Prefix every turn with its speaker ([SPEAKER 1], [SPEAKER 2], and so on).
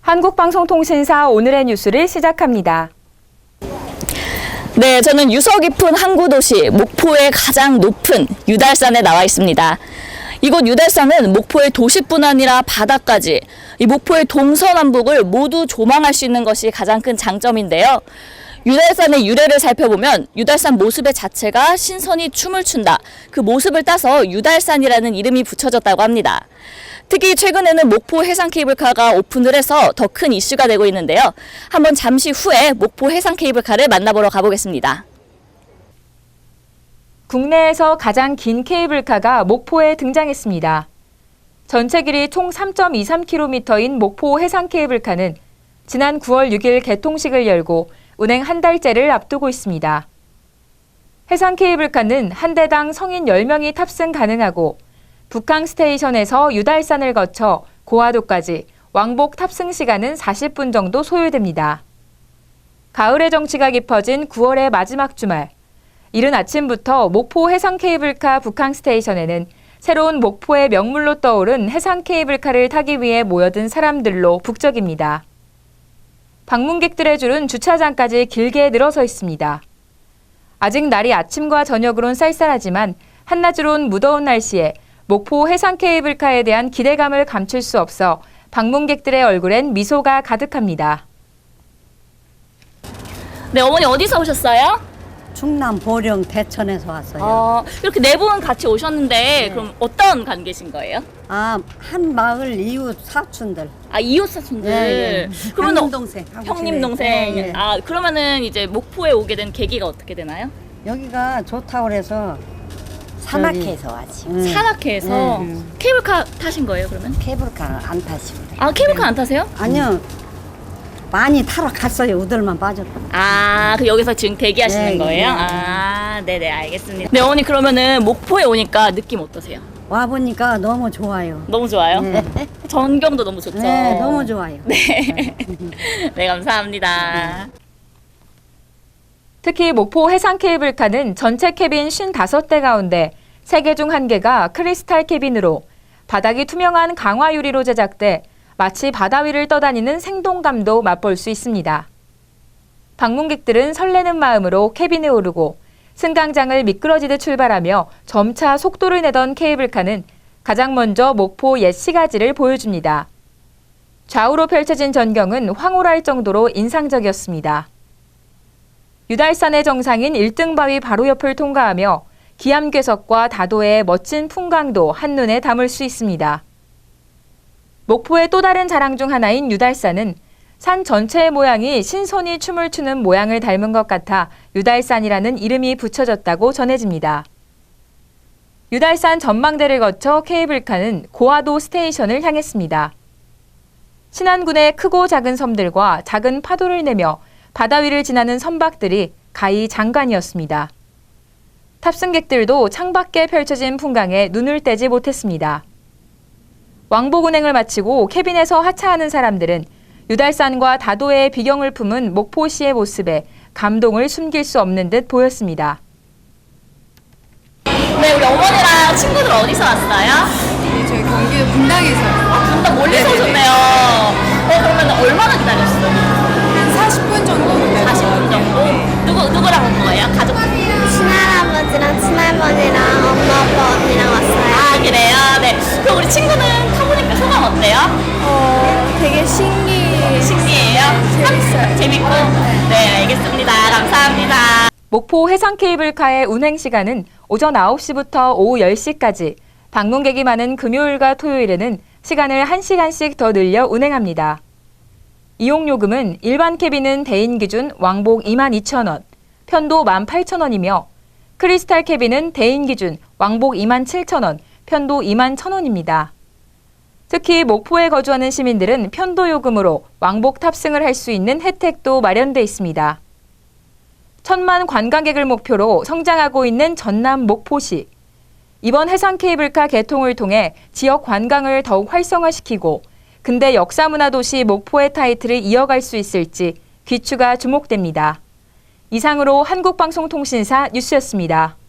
[SPEAKER 1] 한국방송통신사 오늘의 뉴스를 시작합니다.
[SPEAKER 2] 네, 저는 유서 깊은 항구도시 목포의 가장 높은 유달산에 나와 있습니다. 이곳 유달산은 목포의 도시뿐 아니라 바다까지 이 목포의 동서남북을 모두 조망할 수 있는 것이 가장 큰 장점인데요. 유달산의 유래를 살펴보면 유달산 모습의 자체가 신선이 춤을 춘다. 그 모습을 따서 유달산이라는 이름이 붙여졌다고 합니다. 특히 최근에는 목포 해상 케이블카가 오픈을 해서 더 큰 이슈가 되고 있는데요. 한번 잠시 후에 목포 해상 케이블카를 만나보러 가보겠습니다.
[SPEAKER 1] 국내에서 가장 긴 케이블카가 목포에 등장했습니다. 전체 길이 총 3.23km인 목포 해상 케이블카는 지난 9월 6일 개통식을 열고 운행 한 달째를 앞두고 있습니다. 해상 케이블카는 한 대당 성인 10명이 탑승 가능하고 북항 스테이션에서 유달산을 거쳐 고화도까지 왕복 탑승 시간은 40분 정도 소요됩니다. 가을의 정취가 깊어진 9월의 마지막 주말, 이른 아침부터 목포 해상 케이블카 북항 스테이션에는 새로운 목포의 명물로 떠오른 해상 케이블카를 타기 위해 모여든 사람들로 북적입니다. 방문객들의 줄은 주차장까지 길게 늘어서 있습니다. 아직 날이 아침과 저녁으론 쌀쌀하지만 한낮으론 무더운 날씨에 목포 해상 케이블카에 대한 기대감을 감출 수 없어 방문객들의 얼굴엔 미소가 가득합니다.
[SPEAKER 2] 네, 어머니 어디서 오셨어요?
[SPEAKER 3] 충남 보령 대천에서 왔어요.
[SPEAKER 2] 이렇게 네 분 같이 오셨는데
[SPEAKER 3] 네.
[SPEAKER 2] 그럼 어떤 관계신 거예요?
[SPEAKER 3] 한 마을 이웃 사촌들.
[SPEAKER 2] 이웃 사촌들.
[SPEAKER 3] 네.
[SPEAKER 2] 그러면
[SPEAKER 3] 형님 동생.
[SPEAKER 2] 형님 동생.
[SPEAKER 3] 네.
[SPEAKER 2] 그러면은 이제 목포에 오게 된 계기가 어떻게 되나요?
[SPEAKER 3] 여기가 좋다고 그래서
[SPEAKER 4] 산악회에서 왔지.
[SPEAKER 2] 산악회에서 케이블카 타신 거예요, 그러면?
[SPEAKER 4] 케이블카 안 타시고 그래.
[SPEAKER 2] 케이블카 안 타세요?
[SPEAKER 3] 아니요. 많이 타러 갔어요. 우들만 빠졌고.
[SPEAKER 2] 그 여기서 지금 대기하시는
[SPEAKER 3] 네,
[SPEAKER 2] 거예요?
[SPEAKER 3] 네.
[SPEAKER 2] 네네, 알겠습니다. 네, 어머니 그러면은 목포에 오니까 느낌 어떠세요?
[SPEAKER 3] 와 보니까 너무 좋아요.
[SPEAKER 2] 너무 좋아요?
[SPEAKER 3] 네.
[SPEAKER 2] 전경도 너무 좋죠?
[SPEAKER 3] 네, 너무 좋아요.
[SPEAKER 2] 네. 네, 감사합니다.
[SPEAKER 1] 특히 목포 해상 케이블카는 전체 캐빈 55대 가운데 3개 중 1개가 크리스탈 캐빈으로 바닥이 투명한 강화 유리로 제작돼 마치 바다 위를 떠다니는 생동감도 맛볼 수 있습니다. 방문객들은 설레는 마음으로 캐빈에 오르고 승강장을 미끄러지듯 출발하며 점차 속도를 내던 케이블카는 가장 먼저 목포 옛 시가지를 보여줍니다. 좌우로 펼쳐진 전경은 황홀할 정도로 인상적이었습니다. 유달산의 정상인 1등 바위 바로 옆을 통과하며 기암괴석과 다도의 멋진 풍광도 한눈에 담을 수 있습니다. 목포의 또 다른 자랑 중 하나인 유달산은 산 전체의 모양이 신선이 춤을 추는 모양을 닮은 것 같아 유달산이라는 이름이 붙여졌다고 전해집니다. 유달산 전망대를 거쳐 케이블카는 고화도 스테이션을 향했습니다. 신안군의 크고 작은 섬들과 작은 파도를 내며 바다 위를 지나는 선박들이 가히 장관이었습니다. 탑승객들도 창밖에 펼쳐진 풍광에 눈을 떼지 못했습니다. 왕복 운행을 마치고 캐빈에서 하차하는 사람들은 유달산과 다도의 비경을 품은 목포시의 모습에 감동을 숨길 수 없는 듯 보였습니다.
[SPEAKER 2] 네, 우리 어머니랑 친구들 어디서 왔어요?
[SPEAKER 5] 저희 경기도 분당에서
[SPEAKER 2] 분당 멀리서 오셨네요. 그러면 얼마나 기다렸어요?
[SPEAKER 5] 한 40분 정도 기다렸어요.
[SPEAKER 2] 40분 정도? 누구랑 온 거예요? 가족?
[SPEAKER 6] 친할아버지랑 친할머니랑 엄마, 아빠, 언니랑 왔어요.
[SPEAKER 2] 그래요? 네. 그럼 우리 친구는 타보니까 소감 어때요?
[SPEAKER 6] 되게
[SPEAKER 2] 신기해요?
[SPEAKER 6] 재밌어요.
[SPEAKER 2] 재밌고? 네, 알겠습니다. 감사합니다.
[SPEAKER 1] 목포 해상 케이블카의 운행 시간은 오전 9시부터 오후 10시까지, 방문객이 많은 금요일과 토요일에는 시간을 1시간씩 더 늘려 운행합니다. 이용요금은 일반 캐빈은 대인 기준 왕복 22,000원, 편도 18,000원이며 크리스탈 캐빈은 대인 기준 왕복 27,000원, 편도 21,000원입니다. 특히 목포에 거주하는 시민들은 편도 요금으로 왕복 탑승을 할 수 있는 혜택도 마련돼 있습니다. 1,000만 관광객을 목표로 성장하고 있는 전남 목포시. 이번 해상 케이블카 개통을 통해 지역 관광을 더욱 활성화시키고 근대 역사문화도시 목포의 타이틀을 이어갈 수 있을지 귀추가 주목됩니다. 이상으로 한국방송통신사 뉴스였습니다.